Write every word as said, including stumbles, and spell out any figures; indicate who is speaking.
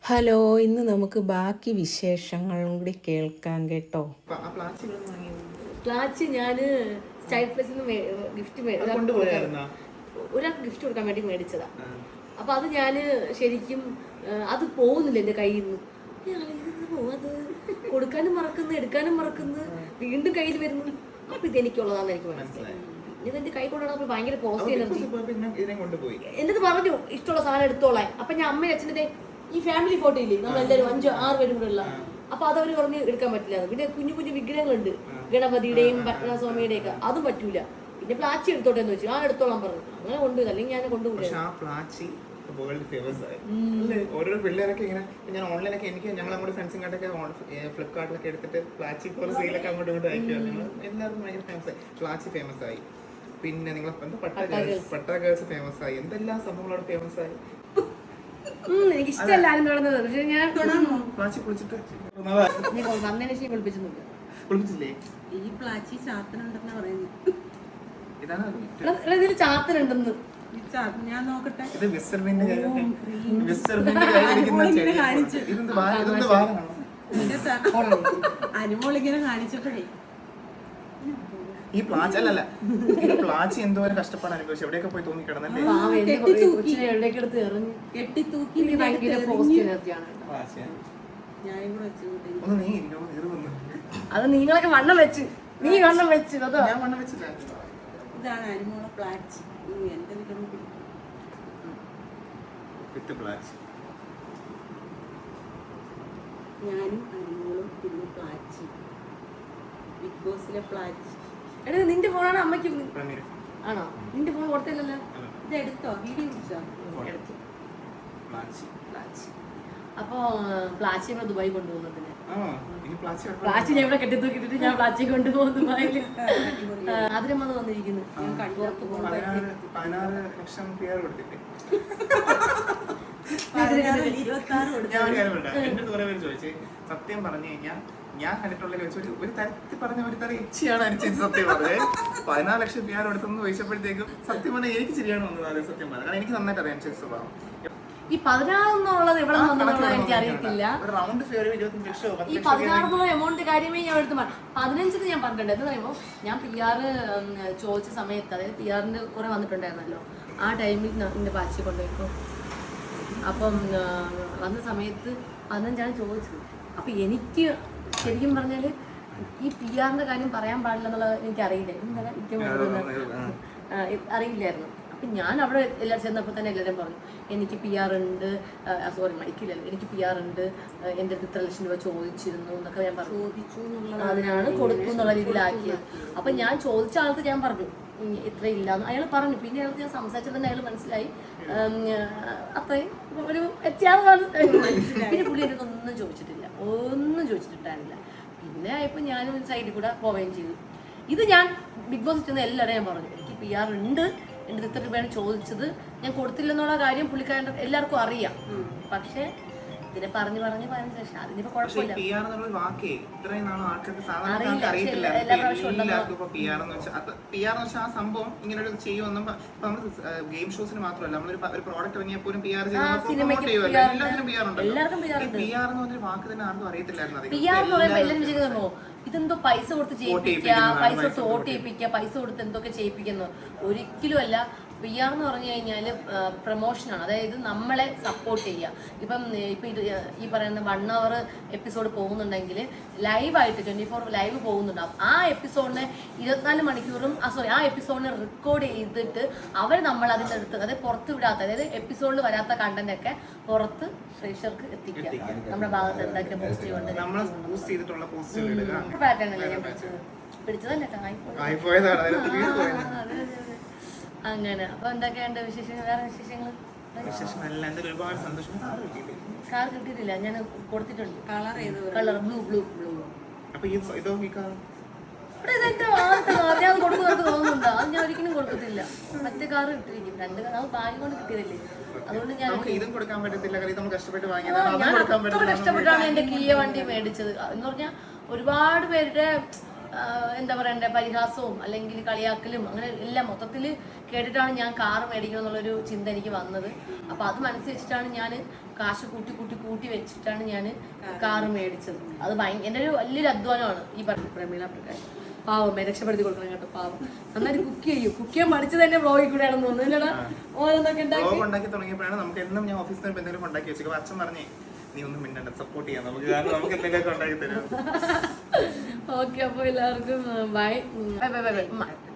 Speaker 1: Hello, ഇന്ന് നമുക്ക് ബാക്കി വിശേഷങ്ങളും കൂടി കേൾക്കാം കേട്ടോ.
Speaker 2: പ്ലാച്ച് ഞാൻ സ്റ്റൈൽ പ്ലസിൽ നിന്ന് ഗിഫ്റ്റ് ഒരാൾക്ക് ഗിഫ്റ്റ് കൊടുക്കാൻ വേണ്ടി മേടിച്ചതാ. അപ്പൊ അത് ഞാൻ ശരിക്കും അത് പോകുന്നില്ല എൻ്റെ കയ്യിൽ നിന്ന്. അത് കൊടുക്കാനും മറക്കുന്നു, എടുക്കാനും മറക്കുന്നു, വീണ്ടും കയ്യിൽ വരുന്നു. അപ്പൊ ഇത് എനിക്കുള്ളതാന്ന് എനിക്ക് മനസ്സിലായി. ഇത് എന്റെ കൈ കൊണ്ടുപോകണം ഭയങ്കര പോസിറ്റീവ് എനർജി. എൻ്റെ അടുത്ത് പറഞ്ഞു ഇഷ്ടമുള്ള സാധനം എടുത്തോളാൻ. അപ്പൊ ഞാൻ അമ്മയും അച്ഛൻ്റെ ഈ ഫാമിലി ഫോട്ടോ ഇല്ലേ, നമ്മളെല്ലാവരും അഞ്ചോ ആറ് പേരും കൂടെ ഉള്ള, അപ്പൊ അതവര് പറഞ്ഞ് എടുക്കാൻ പറ്റില്ല. പിന്നെ കുഞ്ഞു കുഞ്ഞു വിഗ്രഹങ്ങളുണ്ട്, ഗണപതിയുടെയും പത്മനാഭസ്വാമിയുടെയും ഒക്കെ, അതും പറ്റൂല. പിന്നെ പ്ലാച്ചി എടുത്തോട്ടെ എന്ന് വെച്ചു, ആ എടുത്തോളാൻ പറഞ്ഞു. അങ്ങനെ കൊണ്ടുപോയി, അല്ലെങ്കിൽ ഞാൻ കൊണ്ടുപോയി.
Speaker 3: ഓരോ പിള്ളേരൊക്കെ ഇങ്ങനെ ഞാൻ ഓൺലൈനൊക്കെ എനിക്ക് ഞങ്ങൾ നമ്മുടെ ഫ്രണ്ട്സിങ്ങോട്ടൊക്കെ ഫ്ലിപ്കാർട്ടിലൊക്കെ എടുത്തിട്ട് പ്ലാച്ചി ഫോർ സെയിലൊക്കെ അങ്ങോട്ട് ഇങ്ങോട്ട് അയക്കുമായിരുന്നു. എല്ലാവർക്കും ഭയങ്കര ഫേമസ് ആയി, പ്ലാച്ചി ഫേമസ് ആയി. പിന്നെ നിങ്ങൾ എന്താ പട്ട ഗേൾസ് പട്ട ഗേൾസ് ഫേമസ് ആയി, എന്തെല്ലാം സംഭവങ്ങളോട് ഫേമസ് ആയി.
Speaker 2: എനിക്ക് ഇഷ്ടമല്ല ആരും കാണുന്നത്, പക്ഷെ ഞാൻ
Speaker 3: പ്ലാച്ചി കുളിച്ചിട്ട്
Speaker 2: വന്നതിന് ശേഷം കുളിപ്പിച്ചൊന്നുമില്ല.
Speaker 3: കുളിപ്പിച്ചില്ലേ?
Speaker 4: ഈ പ്ലാച്ചി ചാത്തനുണ്ടെന്ന് പറയുന്നു.
Speaker 2: ഇതിൽ ചാത്തനുണ്ടെന്ന്
Speaker 4: ഞാൻ നോക്കട്ടെ.
Speaker 3: ഇത് മിസ്റ്റർ ബീന്റെ മിസ്റ്റർ ബീന്റെ കയ്യിലിരിക്കുന്ന
Speaker 4: കാണിച്ചു
Speaker 3: ഇതെന്ത് ഇതെന്ത് വാഹനമാണോ?
Speaker 4: അനുമോളിങ്ങനെ കാണിച്ചപ്പോഴേ
Speaker 3: ഈ പ്ലാച്ച് അല്ലല്ല ഈ പ്ലാച്ച് എന്തോരം കഷ്ടപ്പാട് അനുഭവിച്ചു, എവിടെയൊക്കെ പോയി തൂങ്ങി കിടന്നല്ലേ.
Speaker 4: കെട്ടിത്തൂക്കി
Speaker 3: ഒന്ന് നീ ഇരിക്കോ, നീറുന്നു.
Speaker 2: അത് നിങ്ങളൊക്കെ വണ്ണം വെച്ച് നീ വണ്ണം വെച്ച് അതോ
Speaker 3: ഞാൻ വണ്ണം വെച്ചില്ല.
Speaker 4: ഇതാണ് അനുമോളെ പ്ലാച്ച്. എന്റെ
Speaker 3: വിത്ത് പ്ലാച്ച്
Speaker 4: ഞാനും അനുമോളും പിന്നെ പ്ലാച്ചി, ബിഗ് ബോസിലെ പ്ലാച്ച്.
Speaker 2: എടാ നിന്റെ ഫോണാണ് അമ്മയ്ക്ക് ആണോ? നിന്റെ ഫോൺ കൊടുത്തില്ലല്ലോ.
Speaker 4: ഇത് എടുത്തോ, വീഡിയോ പിടിച്ചോ?
Speaker 2: എടുത്തു. അപ്പൊ പ്ലാച്ചി നമ്മൾ ദുബായി കൊണ്ടുപോകുന്നതിന് പ്ലാച്ചി ഞാൻ ഇവിടെ കെട്ടിത്തൂക്കിട്ടിട്ട് ഞാൻ പ്ലാച്ചി കൊണ്ടുപോകും ദുബായില്. അതിനും വന്ന് വന്നിരിക്കുന്നു.
Speaker 3: പതിനാറ് ലക്ഷം പേർ കൊടുത്തിട്ട്
Speaker 4: ഇരുപത്തി ആറ്
Speaker 3: ഞാൻ ഒരു കാര്യം പറയട്ടെ. എന്റെ അടുത്ത് കുറെ പേര് ചോദിച്ചു, സത്യം പറഞ്ഞു കഴിഞ്ഞാൽ ഞാൻ കണ്ടിട്ടുള്ള വെച്ച് ഒരു ഒരു തരത്തിൽ പറഞ്ഞ ഒരു തരം ഇച്ചയാണ് അനുസരിച്ച് സത്യം പറഞ്ഞത്. പതിനാല് ലക്ഷം പേർ കൊടുത്തെന്ന് ചോദിച്ചപ്പോഴത്തേക്കും സത്യം പറഞ്ഞാൽ എനിക്ക് ശരിയാണ് വന്നത്. അത് സത്യം പറഞ്ഞത്, കാരണം എനിക്ക് നന്നായിട്ട് അറിയാം അനുസരിച്ച് സ്വഭാവം.
Speaker 2: ഈ പതിനാറെന്നുള്ളത് എവിടെ നിന്നുള്ളത് എനിക്ക് അറിയത്തില്ല. ഈ പതിനാറെന്നുള്ള എമൗണ്ട് കാര്യമേ ഞാൻ എടുത്ത് പതിനഞ്ചിന് ഞാൻ പറഞ്ഞിട്ടുണ്ട്. എന്ന് പറയുമ്പോൾ ഞാൻ പി ആർ ചോദിച്ച സമയത്ത്, അതായത് പി ആറിന്റെ കുറെ വന്നിട്ടുണ്ടായിരുന്നല്ലോ, ആ ടൈമിൽ എന്റെ പാച്ചി കൊണ്ടുപോയിപ്പോ. അപ്പം വന്ന സമയത്ത് പതിനഞ്ചാണ് ചോദിച്ചത്. അപ്പൊ എനിക്ക് ശരിക്കും പറഞ്ഞാല് ഈ പി ആറിന്റെ കാര്യം പറയാൻ പാടില്ല എന്നുള്ളത് എനിക്ക് അറിയില്ല. എന്താ അറിയില്ലായിരുന്നു. അപ്പം ഞാൻ അവിടെ എല്ലാവരും ചെന്നപ്പോൾ തന്നെ എല്ലാവരും പറഞ്ഞു എനിക്ക് പി ആർ ഉണ്ട്, സോറി മൈക്കില്ലല്ലോ, എനിക്ക് പി ആർ ഉണ്ട്, എൻ്റെ അടുത്ത് ഇത്ര ലക്ഷം രൂപ ചോദിച്ചിരുന്നു എന്നൊക്കെ ഞാൻ പറഞ്ഞു. അതിനാണ് കൊടുക്കും എന്നുള്ള രീതിയിലാക്കിയത്. അപ്പം ഞാൻ ചോദിച്ച ആൾക്ക് ഞാൻ പറഞ്ഞു ഇത്ര ഇല്ലാന്ന് അയാൾ പറഞ്ഞു. പിന്നെ അയാൾക്ക് ഞാൻ സംസാരിച്ചത് തന്നെ അയാൾ മനസ്സിലായി അത്രയും ഒരു വ്യത്യാസമാണ്. പിന്നെ പുള്ളി എനിക്ക് ഒന്നും ചോദിച്ചിട്ടില്ല, ഒന്നും ചോദിച്ചിട്ടുണ്ടായിരുന്നില്ല. പിന്നെ ഇപ്പം ഞാനും സൈഡിൽ കൂടെ പോവുകയും ചെയ്തു. ഇത് ഞാൻ ബിഗ് ബോസ് ചെന്ന് എല്ലാവരും ഞാൻ പറഞ്ഞു എനിക്ക് പി ആർ ഉണ്ട്, എൻ്റെ ഇത്ര രൂപയാണ് ചോദിച്ചത്, ഞാൻ കൊടുത്തില്ലെന്നുള്ള കാര്യം പുള്ളിക്കാരൻ്റെ എല്ലാവർക്കും അറിയാം. പക്ഷെ ഇതിനെ പറഞ്ഞു പറഞ്ഞ് പതിനഞ്ച് ലക്ഷം അതിനിപ്പോ കുഴപ്പമില്ല.
Speaker 3: ആ സംഭവം ഇങ്ങനെ ഒരു ചെയ്യുമെന്നും ഗെയിം ഷോസിന് മാത്രമല്ല, നമ്മളൊരു പ്രോഡക്റ്റ് ഇറങ്ങിയാൽ പോലും പി ആർ എല്ലാത്തിനും പി ആർ ഉണ്ട്. പി ആർ എന്ന് പറഞ്ഞൊരു വാക്ക് തന്നെ ആർക്കും അറിയത്തില്ലായിരുന്നു.
Speaker 2: പി ആർ എന്ന് പറയുമ്പോൾ എല്ലാവരും വിചാരിക്കുന്നോ ഇതെന്തോ പൈസ കൊടുത്ത് ചെയ്യിപ്പിക്കുക, പൈസ കൊടുത്ത് വോട്ട് ചെയ്യിപ്പിക്കുക, പൈസ കൊടുത്ത് എന്തൊക്കെ ചെയ്യിപ്പിക്കുന്നു. ഒരിക്കലും അല്ല. പി ആർ എന്ന് പറഞ്ഞു കഴിഞ്ഞാൽ പ്രൊമോഷനാണ്, അതായത് നമ്മളെ സപ്പോർട്ട് ചെയ്യുക. ഇപ്പം ഇപ്പം ഇത് ഈ പറയുന്ന വൺ അവർ എപ്പിസോഡ് പോകുന്നുണ്ടെങ്കിൽ ലൈവായിട്ട് ട്വൻറ്റി ഫോർ ലൈവ് പോകുന്നുണ്ടാവും. ആ എപ്പിസോഡിനെ ഇരുപത്തിനാല് മണിക്കൂറും ആ സോറി ആ എപ്പിസോഡിനെ റെക്കോർഡ് ചെയ്തിട്ട് അവർ നമ്മൾ അതിൻ്റെ അടുത്ത്, അതായത് പുറത്ത് വിടാത്ത, അതായത് എപ്പിസോഡിൽ വരാത്ത കണ്ടന്റ് ഒക്കെ പുറത്ത് പ്രേക്ഷകർക്ക് എത്തിക്കുക. നമ്മുടെ ഭാഗത്ത് എന്താക്കിയ പോസ്റ്റ് കൊണ്ട് പാറ്റേൺ അല്ലേ ഞാൻ പിടിച്ചത് പിടിച്ചതല്ലേ അങ്ങനെ. അപ്പൊ എന്തൊക്കെയുണ്ട് വിശേഷങ്ങൾ? വേറെ വിശേഷങ്ങൾ? കാർ കിട്ടിയിട്ടില്ല, ഞാൻ കൊടുത്തിട്ടുണ്ട്.
Speaker 4: കളർ ഏത്
Speaker 2: കളർ ബ്ലൂ ബ്ലൂ ബ്ലൂ. ഞാൻ കൊടുക്കുന്നവർക്ക് തോന്നുന്നുണ്ടോ? അത് ഞാൻ ഒരിക്കലും കൊടുക്കത്തില്ല. മറ്റേ കാർ കിട്ടിയിരിക്കും, രണ്ട് കാർ അത് ഭാഗ്യം കൊണ്ട് കിട്ടിയതല്ലേ. അതുകൊണ്ട് ഞാൻ ഞാൻ അത്ര കഷ്ടപ്പെട്ടാണ് എന്റെ കിയ വണ്ടി മേടിച്ചത്. എന്ന് പറഞ്ഞാൽ ഒരുപാട് പേരുടെ എന്താ പറയണ്ടേ പരിഹാസവും അല്ലെങ്കിൽ കളിയാക്കലും അങ്ങനെ എല്ലാം മൊത്തത്തിൽ കേട്ടിട്ടാണ് ഞാൻ കാറ് മേടിക്കണം എന്നുള്ളൊരു ചിന്ത എനിക്ക് വന്നത്. അപ്പോൾ അത് മനസ്സിൽ വെച്ചിട്ടാണ് ഞാൻ കാശ് കൂട്ടി കൂട്ടി കൂട്ടി വെച്ചിട്ടാണ് ഞാൻ കാറ് മേടിച്ചത്. അത് ഭയങ്കര എൻ്റെ ഒരു വലിയൊരു അധ്വാനമാണ് ഈ പറഞ്ഞ പ്രമീള പ്രകാശ്. പാവം രക്ഷപ്പെടുത്തി കൊടുക്കണം കേട്ടോ. പാവം നന്നായിട്ട് കുക്ക് ചെയ്യും. കുക്ക് ചെയ്യാൻ പഠിച്ചത് തന്നെ വ്ളോഗിൽ കൂടെ ആണെന്ന് തോന്നുന്നില്ലടാ. ഓരോന്നൊക്കെ ഉണ്ടാക്കി
Speaker 3: ഉണ്ടാക്കി തുടങ്ങിയപ്പോഴാണ് നമുക്ക് എന്നും ഞാൻ ഓഫീസിൽ നിന്ന് എന്തെങ്കിലും ഉണ്ടാക്കി വെച്ചത്. അച്ഛൻ പറഞ്ഞേ നീ ഒന്നും മിണ്ടണ്ട, സപ്പോർട്ട് ചെയ്യാം നമുക്ക്, കാരണം നമുക്ക് എന്തെങ്കിലുമൊക്കെ ഉണ്ടാക്കി തരും.
Speaker 2: ഓക്കെ, അപ്പോൾ എല്ലാവർക്കും ബൈ ബൈ ബൈ ബൈ.